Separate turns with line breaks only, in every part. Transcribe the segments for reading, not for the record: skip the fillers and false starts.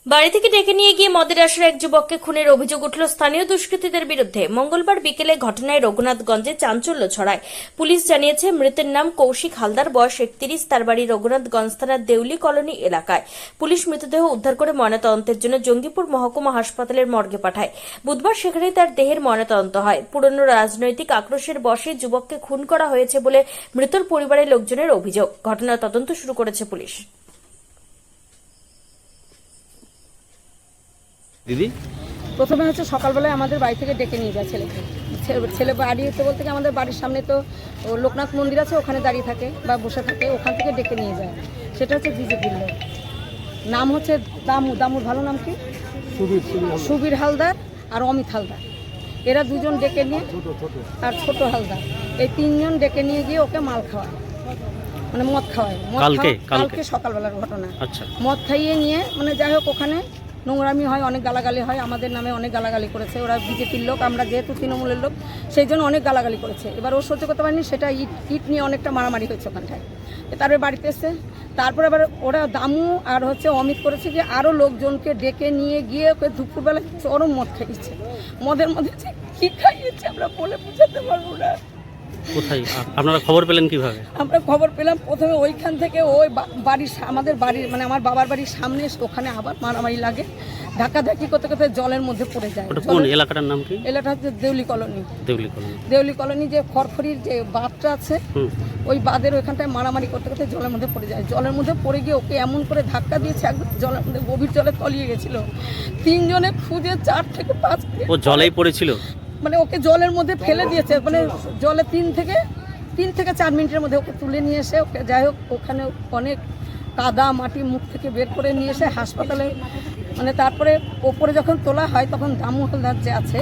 বাড়ি থেকে ডেকে নিয়ে গিয়ে মদের আসরে এক যুবককে খুনের অভিযোগ উঠল স্থানীয় দুষ্কৃতীদের বিরুদ্ধে। মঙ্গলবার বিকেলে ঘটনায় রঘুনাথগঞ্জে চাঞ্চল্য ছড়ায়। পুলিশ জানিয়েছে মৃতের নাম কৌশিক হালদার, বয়স 31, তার বাড়ি রঘুনাথগঞ্জ থানার দেউলি কলোনি এলাকায়। পুলিশ মৃতদেহ উদ্ধার করে ময়নাতদন্তের জন্য জঙ্গিপুর মহকুমা হাসপাতালের মর্গে পাঠায়। বুধবার সেখানে তার দেহের ময়নাতদন্ত হয়। পুরনো রাজনৈতিক আক্রোশের বশে যুবককে খুন করা হয়েছে বলে মৃতর পরিবারের লোকজনের অভিযোগ। ঘটনার তদন্ত শুরু করেছে পুলিশ।
দিদি,
প্রথমে হচ্ছে সকালবেলায় আমাদের বাড়ি থেকে ডেকে নিয়ে যায় ছেলেকে। ছেলে বাড়ি হতে বলতে আমাদের বাড়ির সামনে তো লোকনাথ মন্দির আছে, ওখানে দাঁড়িয়ে থাকে বা বসে থাকে, ওখান থেকে ডেকে নিয়ে যায়। সেটা হচ্ছে বিজেপির লোক, নাম হচ্ছে দামুর ভালো নাম কি, সুবীর হালদার আর অমিত হালদার। এরা দুজন ডেকে নিয়ে, আর ছোট হালদার, এই তিনজন ডেকে নিয়ে গিয়ে ওকে মাল খাওয়ায়, মানে মদ খাওয়ায়। কালকে সকালবেলার ঘটনা।
আচ্ছা,
মদ খাইয়ে নিয়ে মানে যাই হোক ওখানে নোংরামি হয়, অনেক গালাগালি হয়, আমাদের নামে অনেক গালাগালি করেছে। ওরা বিজেপির লোক, আমরা যেহেতু তৃণমূলের লোক, সেই জন্য অনেক গালাগালি করেছে। এবার ও সহ্য করতে পারেনি, সেটা ইট নিয়ে অনেকটা মারামারি হয়েছে ওখানটায়। তারপরে বাড়িতে এসছে, তারপরে আবার ওরা দামু আর হচ্ছে অমিত করেছে যে আরও লোকজনকে ডেকে নিয়ে গিয়ে ওকে দুপুরবেলা চরম মদ খাইয়েছে। মদের মধ্যে যে কী খাইয়েছে আমরা বলে বোঝাতে পারবো না।
কোথায় আপনারা খবর পেলেন কিভাবে?
আমরা খবর পেলাম প্রথমে ওইখান থেকে, ওই বাড়ির আমাদের বাড়ির মানে আমার বাবার বাড়ির সামনে, ওখানে আবার মারামারি লাগে, ধাক্কাধাক্কি করতে করতে জলের মধ্যে পড়ে যায়।
কোন এলাকাটার নাম কি?
এলাকাটা হচ্ছে দেউলি কলোনি।
দেউলি
কলোনি যে খড়খড়ির যে বাঁধটা আছে, ওই বাঁধের ওইখানটায় মারামারি করতে করতে জলের মধ্যে পড়ে যায়। জলের মধ্যে পড়ে গিয়ে ওকে এমন করে ধাক্কা দিয়েছে, একদম জলের মধ্যে গভীর জলে তলিয়ে গেছিল। তিনজনে খুঁজে 4 থেকে 5
ও জলেই পড়েছিল,
মানে ওকে জলের মধ্যে ফেলে দিয়েছে, মানে জলে 3 থেকে 4 মিনিটের মধ্যে ওকে তুলে নিয়ে এসে, ওকে যাই হোক ওখানে অনেক কাদা মাটি মুখ থেকে বের করে নিয়ে এসে হাসপাতালে, মানে তারপরে ওপরে যখন তোলা হয় তখন দামু হালদার যে আছে,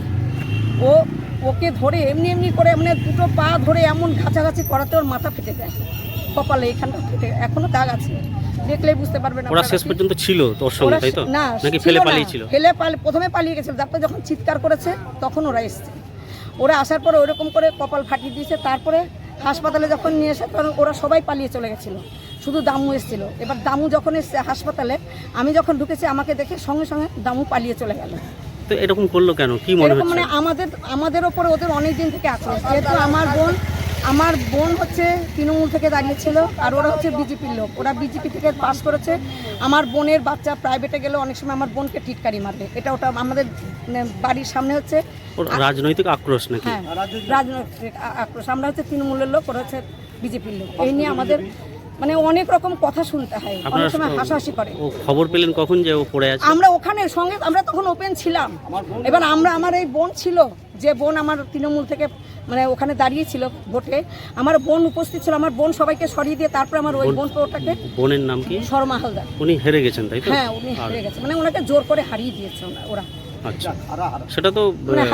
ওকে ধরে এমনি করে মানে দুটো পা ধরে এমন ঘাঁচাঘাঁচি করাতে ওর মাথা ফেটে যায়, কপালে এখানটা ফেটে, এখনো দাগ আছে, দেখলেই বুঝতে পারবেন।
ওরা শেষ পর্যন্ত ছিল তোর সঙ্গে, তাই তো? নাকি ফেলে পালিয়েছিল?
প্রথমে পালিয়ে গেছিল, তারপরে যখন চিৎকার করেছে তখন ওরা এসছে। ওরা আসার পরে ওরকম করে কপাল ফাটিয়ে দিয়েছে। তারপরে হাসপাতালে যখন নিয়ে এসে, কারণ ওরা সবাই পালিয়ে চলে গেছিলো, শুধু দামু এসেছিল। এবার দামু যখন এসছে হাসপাতালে, আমি যখন ঢুকেছি আমাকে দেখে সঙ্গে সঙ্গে দামু পালিয়ে চলে গেল।
তো এরকম করলো কেন, কি মনে হচ্ছে?
মানে আমাদের ওপরে ওদের অনেক দিন থেকে আক্রোশ, যেহেতু আমার বোন হচ্ছে তৃণমূল থেকে দাঁড়িয়েছিল, আর ওরা হচ্ছে বিজেপির লোক, ওরা বিজেপি থেকে পাস করেছে। আমার বোনের বাচ্চা প্রাইভেটে গেলে অনেক সময় আমার বোনকে টিটকারি মারবে, ওটা আমাদের বাড়ির সামনে হচ্ছে
রাজনৈতিক আক্রোশ নাকি?
হ্যাঁ, রাজনৈতিক আক্রোশ। আমরা হচ্ছে তৃণমূলের লোক, ওরা হচ্ছে বিজেপির লোক। এই নিয়ে আমাদের মানে অনেক রকম কথা শুনতে হয়, অনেক সময় হাসাহাসি করে।
ও খবর পেলেন কখন যে ও পড়ে আছে?
আমরা ওখানে সঙ্গে, আমরা তখন ওপেন ছিলাম। এবার আমার এই বোন ছিল, যে বোন আমার তৃণমূল থেকে মানে ওখানে দাঁড়িয়েছিল ভোটে, আমার বোন উপস্থিত ছিল। আমার বোন সবাইকে সরিয়ে দিয়ে তারপরে আমার ওই বোন, ওটাকে,
বোনের নাম কি?
শর্মা হালদার।
উনি হেরে গেছেন, তাই তো?
হ্যাঁ, উনি হেরে গেছেন, মানে ওনাকে জোর করে হারিয়ে দিয়েছে ওরা।
আচ্ছা, সেটা তো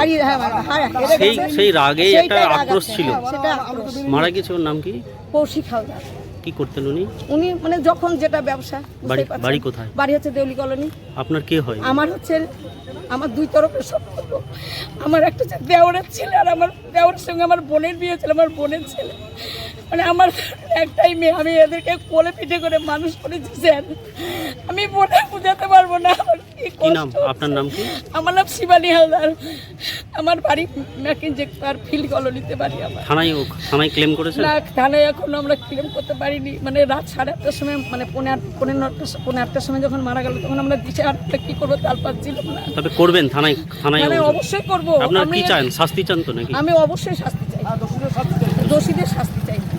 সেই
রাগে একটা আক্রোশ ছিল।
সেটা আক্রোশ।
মারা গেছে, ওর নাম কি?
কৌশিক হালদার।
কি করতেন উনি?
মানে যখন যেটা ব্যবসা।
বাড়ি কোথায়?
বাড়ি হচ্ছে দেউলি কলোনি।
আপনার কে হয়?
আমার হচ্ছে, আমার 2 তরফের সম্পর্ক। আমার একটা হচ্ছে দেওরের ছেলে, আর আমার দেওরের সঙ্গে আমার বোনের বিয়ে ছিল, আমার বোনের ছেলে। মানে আমার একটাই মেয়ে, আমি এদেরকে কোলে পিঠে করে মানুষ করেছি স্যার, আমি বলে বোঝাতে পারবো না।
কি নাম আপনার? নাম কি?
আমার নাম শিবানী হালদার। আমার বাড়ি ম্যাকিনজে ফিল্ড কলোনিতে বাড়ি আমার।
থানায় ক্লেম করেছে? না,
থানায় এখনো আমরা ক্লেম করতে পারিনি। মানে রাত 8:30টার সময়, মানে 8:30টার সময় যখন মারা গেল, তখন আমরা দিশে আটটা কি করবো তাল পাচ্ছিলাম না।
তবে করবেন থানায়?
অবশ্যই করবো।
আপনারা কি চান, শাস্তি চান তো নাকি?
আমি অবশ্যই শাস্তি চাই, দোষীদের শাস্তি চাই।